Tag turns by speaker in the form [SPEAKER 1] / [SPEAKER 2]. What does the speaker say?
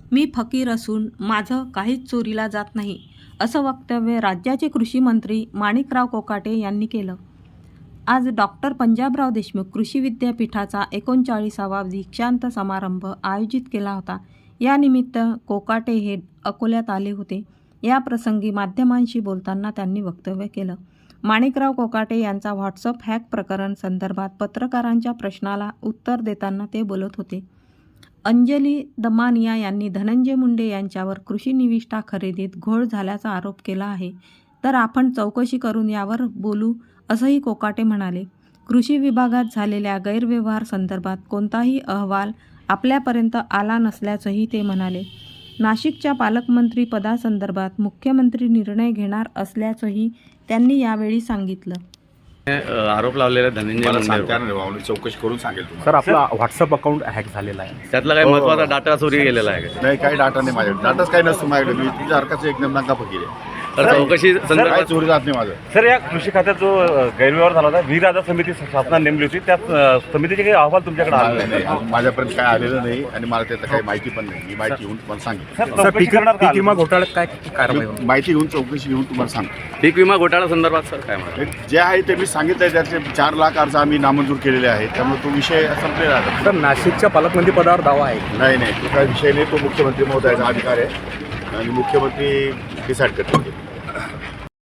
[SPEAKER 1] मी फकीर असून माझं काहीच चोरीला जात नाही, असं वक्तव्य राज्याचे कृषी मंत्री माणिकराव कोकाटे यांनी केलं. आज डॉक्टर पंजाबराव देशमुख कृषी विद्यापीठाचा 39वा दीक्षांत समारंभ आयोजित केला होता. यानिमित्त कोकाटे हे अकोल्यात आले होते. या प्रसंगी माध्यमांशी बोलताना त्यांनी वक्तव्य केलं. माणिकराव कोकाटे यांचा व्हॉट्सअप हॅक प्रकरण संदर्भात पत्रकारांच्या प्रश्नाला उत्तर देताना ते बोलत होते. अंजली दमानिया यांनी धनंजय मुंडे यांच्यावर कृषी निविष्ठा खरेदीत घोळ झाल्याचा आरोप केला आहे. तर आपण चौकशी करून यावर बोलू, असंही कोकाटे म्हणाले. कृषी विभागात झालेल्या गैरव्यवहार संदर्भात कोणताही अहवाल आपल्यापर्यंत आला नसल्याचंही ते म्हणाले. नाशिकच्या पालकमंत्री पदासंदर्भात मुख्यमंत्री निर्णय घेणार असल्याचंही त्यांनी यावेळी सांगितलं.
[SPEAKER 2] आरोप लावलेला धनंजय
[SPEAKER 3] मुंडे चौकशी करून सांगेल तुम्हाला.
[SPEAKER 4] सर, आपला व्हॉट्सअप अकाउंट हॅक झालेला आहे,
[SPEAKER 2] त्यातला काही महत्त्वाचा डाटा चोरी गेलेला आहे का?
[SPEAKER 3] नाही, काही डाटा नाही माझ्याकडे. डाटाच काही नसतो माझ्याकडे. मी तुझ्या हरकत एकदम नका फकीर आहे.
[SPEAKER 2] तर चौकशी
[SPEAKER 3] काही
[SPEAKER 2] संदर्भात
[SPEAKER 3] चोरी जात नाही माझं.
[SPEAKER 4] सर. या कृषी खात्यात जो गैरव्यवहार झाला होता, वीर राजा समिती शासनाने नेमली होती, त्या समितीचे काही अहवाल तुमच्याकडे आले
[SPEAKER 3] नाही, अजून माझ्यापर्यंत काय आलेलं नाही आणि मला त्याचं काही माहिती पण नाही. मी माहिती घेऊन तुम्हाला सांगेन.
[SPEAKER 4] सर, पीक विमा घोटाळ्यात काय कारवाई होईल?
[SPEAKER 3] माहिती घेऊन चौकशी घेऊन तुम्हाला सांगतो.
[SPEAKER 2] पीक विमा घोटाळा संदर्भात सर काय म्हणा?
[SPEAKER 3] जे आहे ते मी सांगितलं. त्याचे 4 लाख अर्ज आम्ही नामंजूर केलेले आहेत. त्यामुळे तो विषय संपलेला आहे.
[SPEAKER 4] सर, नाशिकच्या पालकमंत्री पदावर दावा आहे?
[SPEAKER 3] नाही, तो काही विषय नाही. तो मुख्यमंत्री महोदयाचा अधिकार आहे आणि मुख्यमंत्री डिसाईड करतील.